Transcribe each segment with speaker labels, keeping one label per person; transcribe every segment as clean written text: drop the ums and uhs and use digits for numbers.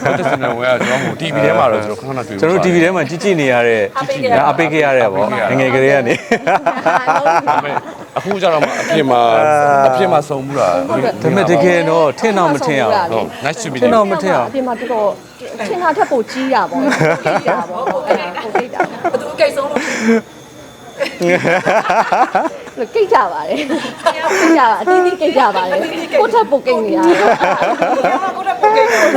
Speaker 1: တက်စင်ဝဲကကျွန်တော် TV ထဲမှာတော့ကျွန်တော်ခဏခဏတွေ့
Speaker 2: ကျွန်တော် TV ထဲမှာကြည့်နေရတဲ့အပိတ်ခဲ့ရတဲ့ပေါ့ငယ်ကလေးကနေ
Speaker 1: အခုကျတော့အပြင်မှာစုံမှုတာ
Speaker 2: ဒါပေမဲ့တကယ်တော့ထင်တော့မထင်အောင်
Speaker 1: ဟုတ် nice to meet
Speaker 2: ထင်တော့မထင်အောင်
Speaker 3: အပြင်မှာတော်တော်ထင်တာထက်ပိုကြီးတာပေါ့ကြီးတာပေါ့ဟုတ်ကဲ့ပိုကြီးတာဘသူကိတ်ဆုံးလို့ကိတ်ကြပါတယ်ကိတ်ကြပါအတင်းတင်းကိတ်ကြပါတယ်ကိုထက်ပိုကိတ်နေတာကိုထက်ပိုကိတ်နေတာ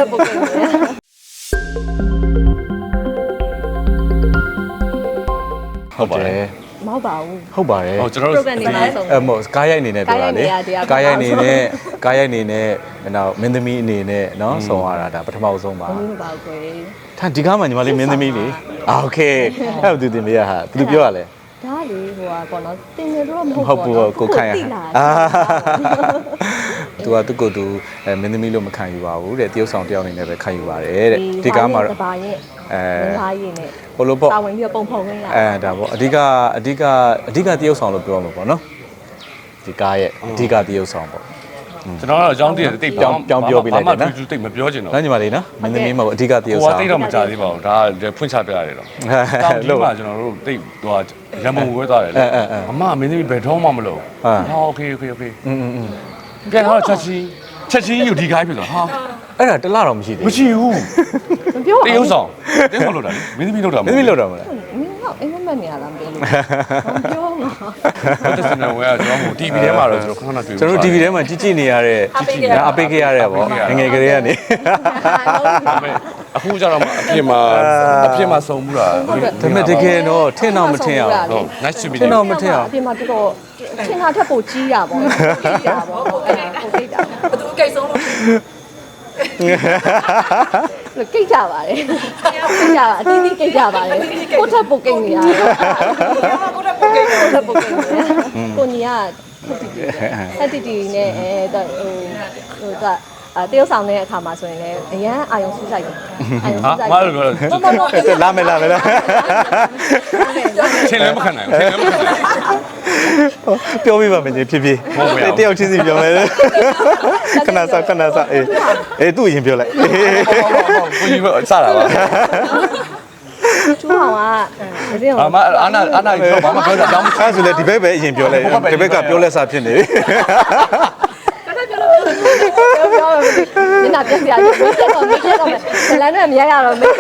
Speaker 2: ဟုတ်ပါတယ်
Speaker 3: မဟုတ်ပါဘူး
Speaker 2: ဟုတ်ပါတယ်
Speaker 1: ဟုတ်ကျွန်တော်တို့
Speaker 3: program နေမှာဆုံး
Speaker 2: မဟုတ်ကားရိုက်အနေနဲ့ပြောတာလေကားရိုက်အနေနဲ့နောက်မင်းသမီးအနေနဲ့เนาะဆောင်ရတာဒါပထမဆုံးပါ
Speaker 3: မဟုတ်ပါဘူးကွယ်
Speaker 2: ထားဒီကားမှာညီမလေးမင်းသမီးလေโอเคအဲ့ဒါသူတင်ပြရဟာဘယ်သူပြောရလဲ
Speaker 3: ဒါလေဟိုပေါ့နော်တင်နေတော့မဟုတ်
Speaker 2: ဟုတ်ဘူးကိုခိုင်ရသူကသူ့ကိုယ်သူမင်းသမီးလို့မခံယူပါဘူးတဲ့တရုတ်ဆောင်တယောက်အနေနဲ့ပဲခံယူပါတယ်တဲ့ဒီကားမှာတော့
Speaker 3: ဘာရဲ့ဘာရဲ့နဲ့
Speaker 2: ဘလို့ပေါ့
Speaker 3: တာဝန်ပြီးပုံဖုံဝင်လာ
Speaker 2: ဒါပေါ့အဓိကတရုတ်ဆောင်လို့ပြောမှာပေါ့နော်ဒီကားရဲ့အဓိကတရုတ်ဆောင်ပေါ့
Speaker 1: ကျွန်တော်ကတော့အကြောင်းတည်းတိတ်ပြောင်း
Speaker 2: ပြောပြလိုက်တယ်နော်
Speaker 1: တိတ်မပြောချင်တော့
Speaker 2: နော်ညီမလေးနော်မင်းသမီးမဟုတ်အဓိကတရုတ်ဆောင်
Speaker 1: ဟိုကတိတ်တော့မကြသေးပါဘူးဒါဖွင့်ချပြရတယ်တော့တောင်းလို့ကျွန်တော်တို့တိတ်ဟိုရမုံဝဲသွားတယ်လေအမမင်းသမီးဘယ်တော့မှမလုပ်ဟာโอเคပြန်တော့ချက်ချင်းယူဒီခိုင်းပြီဆိုဟာ
Speaker 2: အဲ့ဒါတလားတော့မရှိသေးဘူး
Speaker 1: မရှိဘူး
Speaker 3: မပြော
Speaker 1: တရုတ်ဆောင်လုပ်တာလေမင်းသမီးလုပ်တာ
Speaker 2: မင်းသမီးလုပ်တာမလား
Speaker 3: မင်းကအိမ်မက်နေရလားမပြောလို့မပြောမှာ
Speaker 1: တက်စင်ဝဲကကျွန်တော် TV ထဲမှာတော့ကျွန်တော်ခဏခဏတွေ့
Speaker 2: ကျွန်တော် TV ထဲမှာကြည့်နေရတဲ့အပိတ်ခဲ့ရတဲ့ပေါ့ငယ်ကလေးကနေ
Speaker 1: အခုကျတော့အပြင်မှာစုံမှုတာ
Speaker 2: ဒါပေမဲ့တကယ်တော့ထင်တော့မထင်အောင်
Speaker 1: ဟုတ် nice to meet
Speaker 2: ထင်တော့မထင်အောင်
Speaker 3: အပြင်မှာတော်တော်ထင်တာထက်ပိုကြီးတာပေါ့ကြီးတာပေါ့ဟုတ်ကဲ့ပိုကြီးတာဘသူကိတ်ဆုံးလို့ကိတ်ကြပါတယ်ကိတ်ကြပါအတင်းတင်းကိတ်ကြပါတယ်ကိုထက်ပိုကိတ်နေတာကိုထက်ပိုကိတ်နေတာကိုညီကဟက်တီတီနဲ့ဟိုကတရုတ်ဆောင်တဲ့အခါမှာဆိုရင်လည်းအရန်အာယုံစူးစိုက်တယ်အာယုံစူးစိုက်
Speaker 1: ဘာလို့ပြော
Speaker 2: လာမယ်
Speaker 1: ချင်းလည်းမခံနိုင်ဘူး
Speaker 2: ပြောပြပါမယ်ဖြစ်ဖြစ်တယောက်ချင်းစီပြောမယ်ခဏစားအေးသူ့ရင်ပြောလိုက်
Speaker 1: ကိုကြီးစတာပါ
Speaker 3: ကျူအောင်ကဒီ
Speaker 1: အောင်အာနာပြောဘာမှပြောတာတောင်းမ
Speaker 2: အဲ့ဆိုလေဒီဘက်ပဲအရင်ပြောလိုက်ဒီဘက်ကပြောလက်စားဖြစ်နေပြီ
Speaker 3: ပြောမျက်နှာပြက်စရာကြီးပြက်တော့ဇလန်နဲ့မရရတော့မေး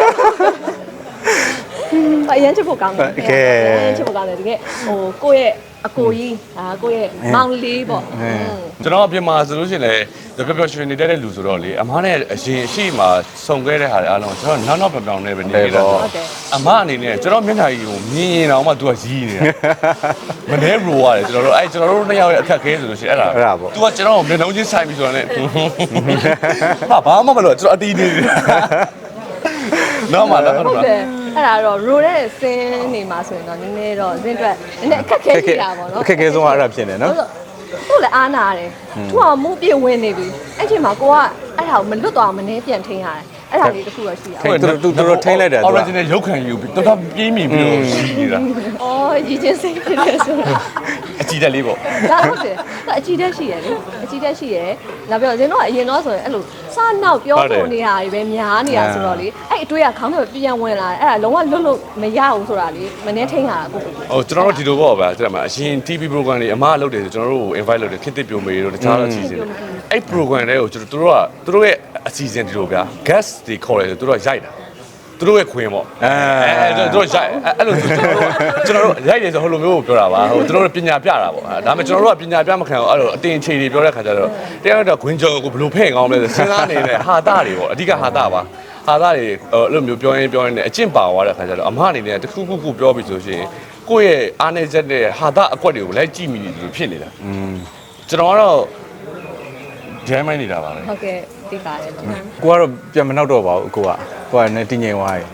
Speaker 3: အရင်ချစ်ဖို့ကောင်းတယ်ချစ်ဖို့ကောင်းတယ်တကယ်ဟိုကိုယ့်ရဲ့အကိုကြီးကိုယ့်ရဲ့မောင်လေးပေါ့
Speaker 1: ကျွန်တော်အပြင်မှာဆိုလို့ရှိရင်လည်းပျော်ရွှင်နေတဲ့လူဆိုတော့လေအမားနဲ့အရင်အရှိမှစုံခဲ့တဲ့ဟာတွေအားလုံးကျွန်တော်နောက်ပြောင်နေပဲနေနေတာအမအနေနဲ့ကျွန်တော်မျက်နှာကြီးကိုမြင်ရင်တော့မှ तू ကရီးနေတာမနေရိုးရတယ်ကျွန်တော်တို့နှစ်ယောက်ရဲ့အခက်ခဲဆိုလို့ရှိရင်အဲ့ဒါပေါ့ तू ကကျွန်တော်မျက်နှာချင်းဆိုင်ပြီးဆိုတော့လည်းဘာမှမလုပ်ကျွန်တော်အတီးနေတယ်နော်မလား
Speaker 3: ဟုတ်တယ်အဲ့ဒါတော့ရိုးတဲ့စင်းနေမှာဆိုရင်တော့နည်းနည်းတော့စင်းအတွက်နည်းနည်းအခက်ခဲရှိတာပေါ့နော်
Speaker 2: အခက်ခဲဆုံးကအဲ့ဒါဖြစ်နေနော်
Speaker 3: ဟုတ်လေအားနာတယ်သူကမူးပြေဝင်နေပြီအဲ့ချိန်မှာကိုကအဲ့ဒါကိုမလွတ်သွားမနေပြန်ထိန်းရတယ်အဲ့ဒါလေးတစ်ခုတော့ရှိတာ
Speaker 2: သူတို့ထိန်းလိုက်တယ်
Speaker 1: original ရုပ်ခံယူပြီးတော်ပြေးမိပြီးတော့ရှိနေတာ
Speaker 3: အော်ရည်ချင်းစိတ်ဖြစ်တယ်ဆိုတာ
Speaker 1: အကြည့်တက်လေးပေါ့
Speaker 3: ဒါဟုတ်တယ်အကြည့်တက်ရှိရလေအကြည့်တက်ရှိရနောက်ပြီးတော့ဇင်းတို့ကအရင်တော့ဆိုရင်အဲ့လိုစနောက်ပြောဖို့နေတာတွေပဲများနေတာဆိုတော့လေအဲ့အတွေးကခေါင်းထဲပြန်ဝင်လာတယ်အဲ့ဒါလုံးဝလွတ်လို့မရဘူးဆိုတာလေမနှင်းထိန်းတာကို
Speaker 1: ဟုတ်ကျွန်တော်တို့ဒီလိုပေါ့ဗျာတဲ့မှာအရင် TV program တွေအမားလုပ်တယ်ဆိုကျွန်တော်တို့ကို invite လုပ်တယ်ခေတ်သစ်ပြိုမေတို့တခြားအစီအစဉ်အဲ့ program တွေကိုကျွန်တော်တို့ရဲ့အစီအစဉ်ဒီလိုဗျာ guest တွေခေါ်တယ်ဆိုသူတို့ကရိုက်တာသူတို့ရဲ့ခွင်ပေါ့သူတို့ရိုက်အဲ့လိုကျွန်တော်တို့ရိုက်တယ်ဆိုဟိုလိုမျိုးကိုပြောတာပါဟိုသူတို့ပညာပြတာပေါ့ဒါပေမဲ့ကျွန်တော်တို့ကပညာပြမခံဘူးအဲ့လိုအတင်ချေတွေပြောတဲ့ခါကျတော့တရားတော့ခွင်ကြော်ကိုဘယ်လိုဖဲ့ကောင်းလဲဆိုစဉ်းစားနေတဲ့ဟာတာတွေပေါ့အဓိကဟာတာပါဟာတာတွေအဲ့လိုမျိုးပြောရင်နဲ့အကျင့်ပါသွားတဲ့ခါကျတော့အမအနေနဲ့တခုခုပြောပြီးဆိုရှင်ကိုယ့်ရဲ့အားနေချက်နဲ့ဟာတာအကွက်တွေကိုလိုက်ကြည့်မိနေတယ်လို့ဖြစ်နေတာကျွန်တော်ကတော့ဂျဲမိုင်းနေတာပါလေ
Speaker 3: ဟုတ်ကဲ့သိပါတယ်
Speaker 2: ကိုကတော့ပြန်မနောက်တော့ပါဘူးကိုကလည်းတင်းငိမ်သွားပြီ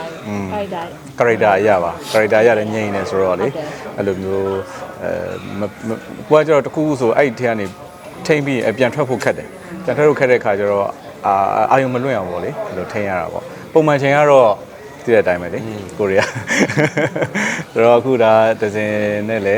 Speaker 2: character အရပါ character ရတယ်ငိမ်နေဆိုတော့လေအဲ့လိုမျိုးကိုကကျတော့တခုခုဆိုအဲ့ဒီထဲကနေထိမ့်ပြီးပြန်ထွက်ဖို့ခက်တယ်ပြန်ထွက်ဖို့ခက်တဲ့ခါကျတော့အာယုံမလွင့်အောင်ပေါ့လေအဲ့လိုထိမ့်ရတာပေါ့ပုံမှန်ချိန်ကတော့သိတဲ့အတိုင်းပဲလေကိုရီးယားဆိုတော့အခုဒါဒဇင်နဲ့လည်း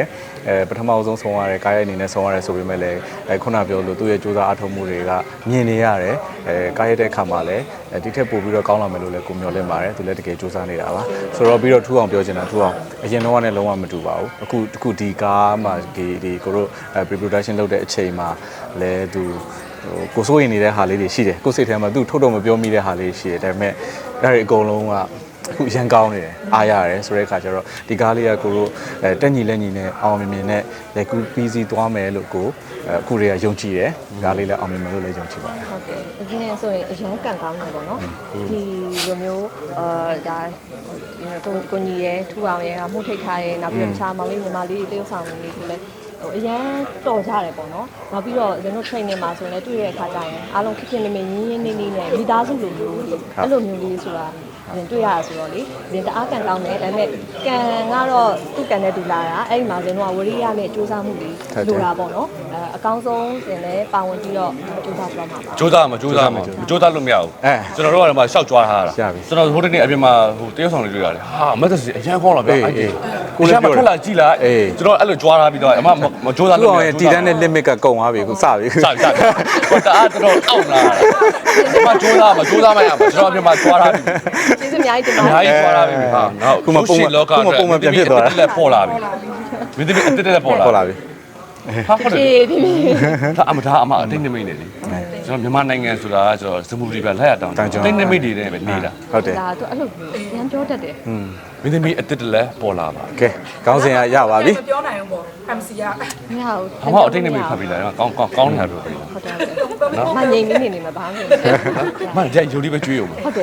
Speaker 2: ပထမဆုံးဆုံးရတယ်ကားရိုက်အနေနဲ့ဆုံးရတယ်ဆိုပေမဲ့လည်းခုနပြောလို့သူ့ရဲ့စူးစမ်းအထောက်မှုတွေကမြင်နေရတယ်ကားရိုက်တဲ့အခါမှာလည်းဒီထက်ပိုပြီးတော့ကောင်းလာမယ်လို့လည်းကိုမျှော်လင့်ပါတယ်သူလည်းတကယ်စူးစမ်းနေတာပါဆိုတော့ပြီးတော့ထူအောင်ပြောချင်တာထူအောင်အရင်တော့ကလည်းလုံးဝမတူပါဘူးအခုဒီကားမှာဒီကိုတို့ pre-production လုပ်တဲ့အချိန်မှာလည်းသူကိုစိုးရင်နေတဲ့ဟာလေးတွေရှိတယ်ကိုစိတ်ထဲမှာသူထုတ်တော့မပြောမိတဲ့ဟာလေးရှိတယ်ဒါပေမဲ့အဲ့ဒီအကုန်လုံးကအခုရန်ကောင်းနေတယ်အားရတယ်ဆိုတဲ့အခါကျတော့ဒီကားလေးကကိုတို့တက်ညီလက်ညီနဲ့အောင်မြင်မြင်နဲ့လက်ကူပြီးစီးသွားမယ်လို့ကိုအခုတွေကယုံကြည်တယ်ကားလေးလည်းအောင်မြင်မယ်လို့လည်းယုံကြည်ပါတယ်
Speaker 3: ဟုတ်ကဲ့အရင်ဆိုရင်အရင်ကန်ကောင်းတယ်ပေါ့နော်ဒီလိုမျိုးဒါကိုညီရဲထူအောင်ရဲမှုထိတ်ထားရဲနောက်ပြီးတော့တခြားမောင်လေးညီမလေးတွေတယောက်ဆောင်နေနေလည်းအရန်တော်ကြတယ်ပေါ့နော်နောက်ပြီးတော့ကျွန်တော် training မှာဆိုရင်လည်းတွေ့ရတဲ့အခါကျရင်အားလုံးခက်ခက်နေနေရင်းရင်းနေနေနဲ့မိသားစုလိုမျိုးအဲ့လိုမျိုးလေးဆိုတာတွေ့ရတာဆိုတော့လေဒီတအားကန်ကောင်းတယ်ဒါပေမဲ့ကန်ကတော့သူ့ကန်နဲ့တူလာတာအဲ့ဒီမှာကျွန်တော်ကဝရိယနဲ့စူးစမ်းမှုတွေလိုတာပေါ့နော်အကောင်းဆုံးတင်လဲပါဝင်ပြီးတော့စူးစမ်းပြမှာပါ
Speaker 1: စူးစမ်းလို့မရဘူးကျွန်တော်တို့ကတော့မှရှောက်ကြွားထားတာကျွန်တော်ဟိုတနေ့အပြင်မှာဟိုတရုတ်ဆောင်တွေတွေ့ရတယ်ဟာမက်ဆေ့အရန်ခေါင်းလာဗျအဲ့ဒီကိုလည်းပြောထွက်လာကြည့်လိုက်ကျွန်တော်အဲ့လိုကြွားထားပြီးတော့အမမစူးစမ်းလို့မရဘူး
Speaker 2: တီတန်းနဲ့ limit ကကုန်သွားပြီခုစပြီ
Speaker 1: စဟိုတအားတော်အောက်လာတာဒီမှာစူးစမ်းမရဘူးကျွန်တော်အပြင်မှာကြွားထားပြီ
Speaker 3: ကျေးဇူးအများကြီးတင်
Speaker 1: ပါတယ်အများကြီးကြွားထားပြီဟာနောက်
Speaker 2: ခုမှပုံမှန်ပြန်ဖြစ်သွားတာ
Speaker 1: လက်ပေါ်လာပြီမင်းသမီးအတက်တက်ပေါ်လာပြီဟာဟုတ်တယ်ဒါအမအတိတ်နမိတ်နေလေကျွန်တော်မြန်မာနိုင်ငံဆိုတာကကျွန်တော်စမူရီပဲလက်ရတောင်းတိတ်နမိတ်တွေနဲ့ပဲနေတာ
Speaker 2: ဟုတ်တယ်
Speaker 3: ဒါတော့အဲ့လိုရမ်းပြောတတ်တယ်
Speaker 1: မင်းသမီးအတက်တက်လက်ပေါ်လာပါ
Speaker 2: ကဲခေါင်းစဉ်ကရပါပြီ
Speaker 4: မပြောနိုင်ဘူးပေါ့ MC က
Speaker 3: မရဘူး
Speaker 1: အမအတိတ်နမိတ်ဖတ်ပြီးလာကောင်းနေတာပြောပြီ
Speaker 3: ဟုတ်တယ်နော်မငြိမ်နေမှာဘာမှမ
Speaker 1: မကြိုက်ယူလေးပဲကျွေးအောင်
Speaker 3: ဟုတ်တယ်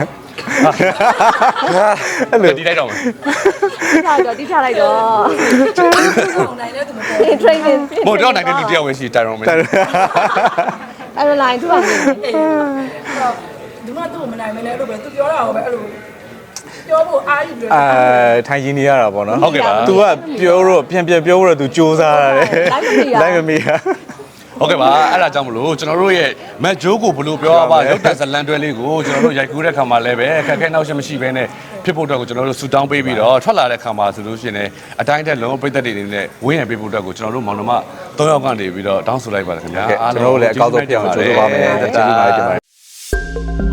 Speaker 1: အဲ့လိုဒီလိုက်တော့
Speaker 3: တိထားလိုက်တော့
Speaker 4: နိုင်တဲ့သူမပေါ်
Speaker 3: training
Speaker 1: မဟုတ်တော့နိုင်တဲ့လူတယောက်ပဲရှိတိုင်ရောမင်း
Speaker 3: အဲ့လို line သူကနေ
Speaker 4: ဒီမှာသူ့မနိုင်မလဲအဲ့လိုပဲသူပြောတာဟောပဲအဲ့လိုပြောဖို့အားယူပြီး
Speaker 2: ထိုင်ရင်းနေရတာပေါ့နော်
Speaker 1: ဟုတ်ကဲ့ပါ
Speaker 2: तू ကပြောတော့ပြန်ပြောတော့ तू စူးစားရတယ်လိုက်မမီရ
Speaker 1: ဟုတ်ကဲ့ပါအဲ့ဒါကြောင့်မလို့ကျွန်တော်တို့ရဲ့မက်ဂျိုးကိုဘလို့ပြောပါရုပ်တံဇလန်တွဲလေးကိုကျွန်တော်တို့ရိုက်ကူးတဲ့ခါမှာလည်းပဲအခက်အခဲနောက်ရှက်မရှိဘဲနဲ့ဖြစ်ဖို့အတွက်ကိုကျွန်တော်တို့ဆူတောင်းပေးပြီးတော့ထွက်လာတဲ့ခါမှာဆိုလို့ရှိရင်လည်းအတိုင်းတက်လုံးပြည့်သက်တွေနေနဲ့ဝင်းရံပေးဖို့အတွက်ကိုကျွန်တော်တို့မောင်နှမ3ယောက်ကနေပြီးတော့တောင်းဆိုလိုက်ပါတယ်ခင်ဗျာ
Speaker 2: အားလုံးကျွန်တော်တို့လည်းအကောက်ဆုံးပြအောင်ကြိုးစားပါမယ်တတိယပါတယ်